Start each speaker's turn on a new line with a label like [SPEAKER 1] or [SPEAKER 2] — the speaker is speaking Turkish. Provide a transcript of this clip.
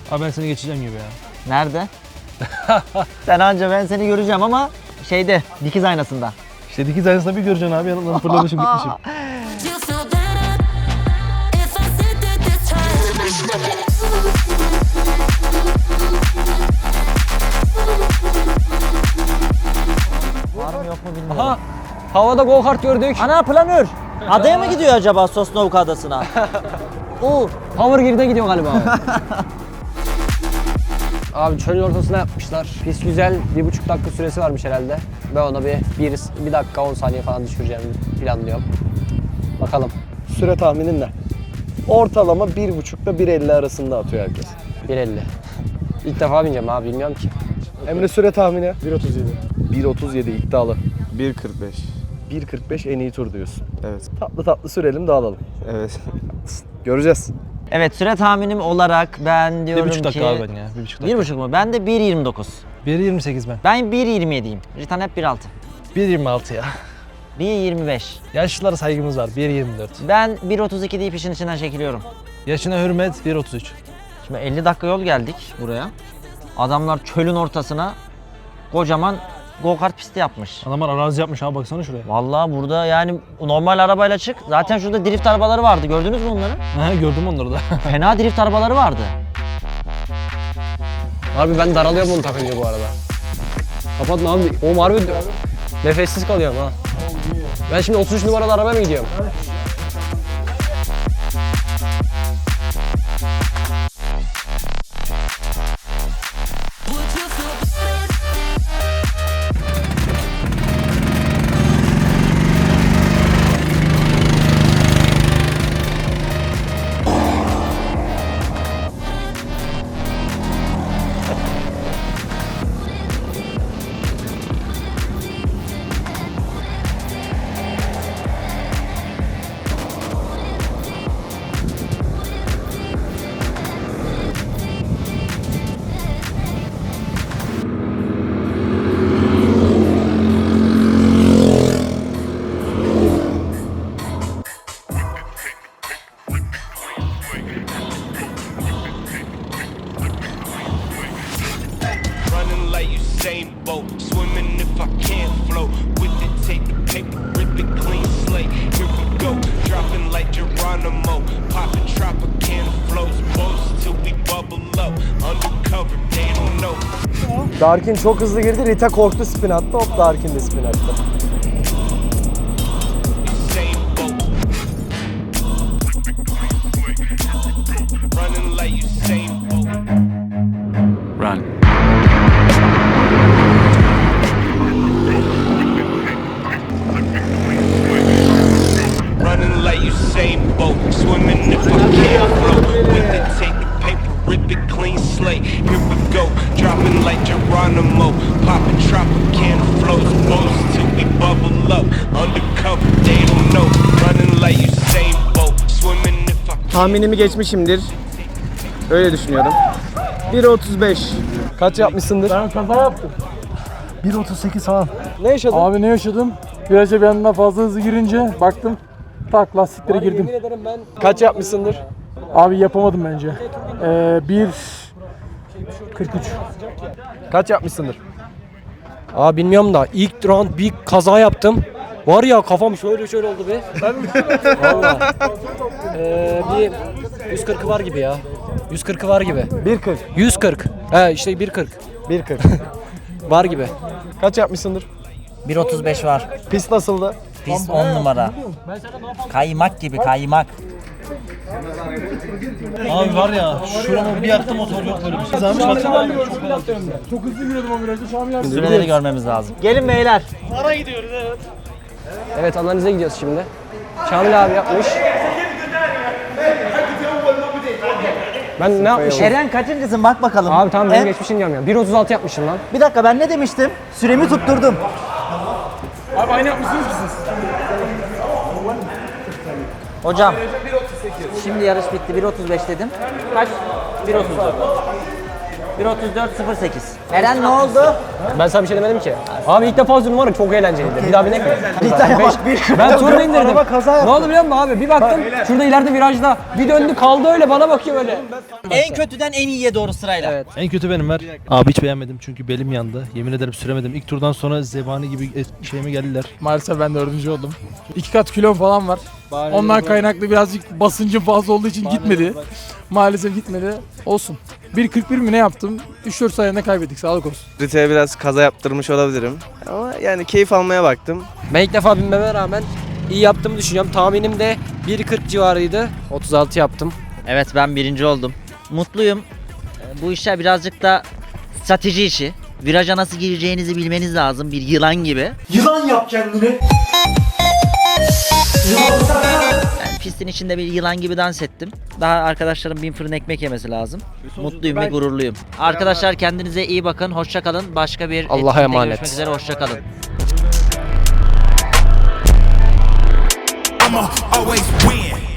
[SPEAKER 1] Abi ben seni geçeceğim gibi ya.
[SPEAKER 2] Nerede? Sen anca ben seni göreceğim ama şeyde, dikiz aynasında.
[SPEAKER 1] İşte dikiz aynasında bir göreceksin abi, yanımdan fırlamışım gitmişim.
[SPEAKER 2] Var mı yok mu bilmiyorum.
[SPEAKER 3] Aha! Havada go kart gördük.
[SPEAKER 2] Ana planör. Adaya mı gidiyor acaba Sosnovka Adası'na?
[SPEAKER 3] Power Grid'e gidiyor galiba. Abi çölün ortasına yapmışlar. Pist güzel, 1,5 dakika süresi varmış herhalde. Ben ona bir dakika 10 saniye falan düşüreceğimi planlıyorum. Bakalım.
[SPEAKER 4] Süre tahminin ne? Ortalama 1.5 ile 1.50 arasında atıyor herkes.
[SPEAKER 3] 1.50. İlk defa bineceğim abi, bilmiyorum ki.
[SPEAKER 4] Emre süre tahmini?
[SPEAKER 1] 1.37.
[SPEAKER 4] 1.37 iddialı.
[SPEAKER 5] 1.45.
[SPEAKER 4] 1.45 en iyi tur diyorsun.
[SPEAKER 5] Evet.
[SPEAKER 4] Tatlı tatlı sürelim dağılalım.
[SPEAKER 5] Evet.
[SPEAKER 4] Göreceğiz.
[SPEAKER 2] Evet, süre tahminim olarak ben diyorum
[SPEAKER 1] 1,5
[SPEAKER 2] ki...
[SPEAKER 1] dakika abi ben ya. 1,5 dakika.
[SPEAKER 2] 1,5 mu? Ben de 1.29.
[SPEAKER 1] 1.28 ben.
[SPEAKER 2] Ben 1.27'yim. Ritan hep 1.6.
[SPEAKER 1] 1.26 ya.
[SPEAKER 2] 1.25.
[SPEAKER 1] Yaşlılara saygımız var. 1.24.
[SPEAKER 2] Ben 1.32 deyip işin içinden çekiliyorum.
[SPEAKER 1] Yaşına hürmet 1.33.
[SPEAKER 2] Şimdi 50 dakika yol geldik buraya. Adamlar çölün ortasına kocaman go-kart pisti yapmış.
[SPEAKER 1] Adamlar arazi yapmış abi, baksana şuraya.
[SPEAKER 2] Vallahi burada yani normal arabayla çık. Zaten şurada drift arabaları vardı. Gördünüz mü onları?
[SPEAKER 1] Ha, gördüm onları da.
[SPEAKER 2] Fena drift arabaları vardı.
[SPEAKER 3] Abi ben daralıyorum bunu takınca bu arada. Kapatma abi. Oğlum harbi nefessiz kalıyorum ha. Ben şimdi 33 numaralı arabaya mı gidiyorum?
[SPEAKER 6] Running like Usain Bolt, swimming if I can't float. With it, take the paper, rip it clean slate. Here we go, dropping like Geronimo. Popping Tropicana flows, boats till we bubble up. Undercover, they don't know.
[SPEAKER 4] Darkin çok hızlı girdi. Rita korktu, spin attı. Hop, Darkin de spin attı.
[SPEAKER 6] Usain Bolt. Running like Usain Bolt.
[SPEAKER 5] Run.
[SPEAKER 6] Running like Usain Bolt, swimming if I can't float. With it, take the paper, rip it clean slate. Here we go, dropping like Geronimo. Popping Tropicana flows, boats till we bubble up. Undercover, they don't know. Running like Usain Bolt, swimming if I
[SPEAKER 4] Tahminimi geçmişimdir. Öyle düşünüyorum. 1.35. Kaç yapmışsındır?
[SPEAKER 1] Ben kaza yaptım. 1.38 falan.
[SPEAKER 4] Ne yaşadın?
[SPEAKER 7] Abi ne yaşadım? Viraja bir anda fazla hızlı girince baktım tak lastiklere girdim.
[SPEAKER 4] Kaç yapmışsındır?
[SPEAKER 7] Abi yapamadım bence. 1.43.
[SPEAKER 4] Kaç yapmışsındır?
[SPEAKER 3] Abi bilmiyorum da ilk round bir kaza yaptım. Var ya kafam şöyle oldu be. Valla. Bir 140'ı var gibi ya. 140'ı var gibi.
[SPEAKER 4] 1.40.
[SPEAKER 3] 140. He işte 140.
[SPEAKER 4] 1.40.
[SPEAKER 3] Var gibi.
[SPEAKER 4] Kaç yapmışsındır?
[SPEAKER 2] 1.35 var.
[SPEAKER 4] Pist nasıldı?
[SPEAKER 2] Pist 10 numara. Kaymak gibi, kaymak.
[SPEAKER 1] Abi var ya, şuramı bir yaktı, motor yok böyle bir şey. Zahmet baksana.
[SPEAKER 7] Çok hızlı giriyordum o virajda. Şu an bir
[SPEAKER 2] Süreleri görmemiz lazım. Gelin beyler.
[SPEAKER 3] Evet, analize gidiyoruz şimdi. Şamil abi yapmış. Ben ne yapmışım?
[SPEAKER 2] Eren kaçıncısın bak bakalım.
[SPEAKER 3] Abi tamam benim
[SPEAKER 2] He?
[SPEAKER 3] geçmişim diyorum ya. 1.36 yapmışım lan.
[SPEAKER 2] Bir dakika, ben ne demiştim? Süremi tutturdum.
[SPEAKER 7] Abi aynı yapmışsınız ki siz.
[SPEAKER 2] Hocam. Şimdi yarış bitti. 1.35 dedim. Kaç? 1.34. 1.34.08. Eren ne oldu?
[SPEAKER 3] Ben sana bir şey demedim ki. Abi ilk defa sürdüm var ya, çok eğlenceliydi. Bir daha binek mi? Ben turunu indirdim. Ne oldu biliyor musun abi? Bir baktım şurada ileride virajda. Bir döndü kaldı öyle, bana bakıyor öyle.
[SPEAKER 2] En kötüden en iyiye doğru sırayla.
[SPEAKER 3] Evet.
[SPEAKER 1] En kötü benim ver. Abi hiç beğenmedim çünkü belim yandı. Yemin ederim süremedim. İlk turdan sonra zebani gibi şeyime geldiler.
[SPEAKER 7] Maalesef ben 4. oldum. 2 kat kilom falan var. Ondan kaynaklı birazcık basıncım fazla olduğu için gitmedi. Maalesef gitmedi. Olsun. 1.41 mi ne yaptım? 3-4 sayende kaybettik. Sağlık olsun.
[SPEAKER 8] Riteye biraz kaza yaptırmış olabilirim. Ama yani keyif almaya baktım.
[SPEAKER 3] Ben ilk defa binmeme rağmen iyi yaptığımı düşünüyorum. Tahminim de 1.40 civarıydı. 36 yaptım.
[SPEAKER 2] Evet, ben 1. oldum. Mutluyum. Bu işler birazcık da strateji işi. Viraja nasıl gireceğinizi bilmeniz lazım, bir yılan gibi.
[SPEAKER 1] Yılan yap kendini.
[SPEAKER 2] Ben pistin içinde bir yılan gibi dans ettim. Daha arkadaşlarım 1000 fırın ekmek yemesi lazım. Mutluyum ve gururluyum. Arkadaşlar kendinize iyi bakın. Hoşça kalın. Başka bir
[SPEAKER 3] Allah'a
[SPEAKER 2] etkinlikte
[SPEAKER 3] emanet.
[SPEAKER 2] görüşmek üzere. Hoşça kalın.
[SPEAKER 6] I'ma always win.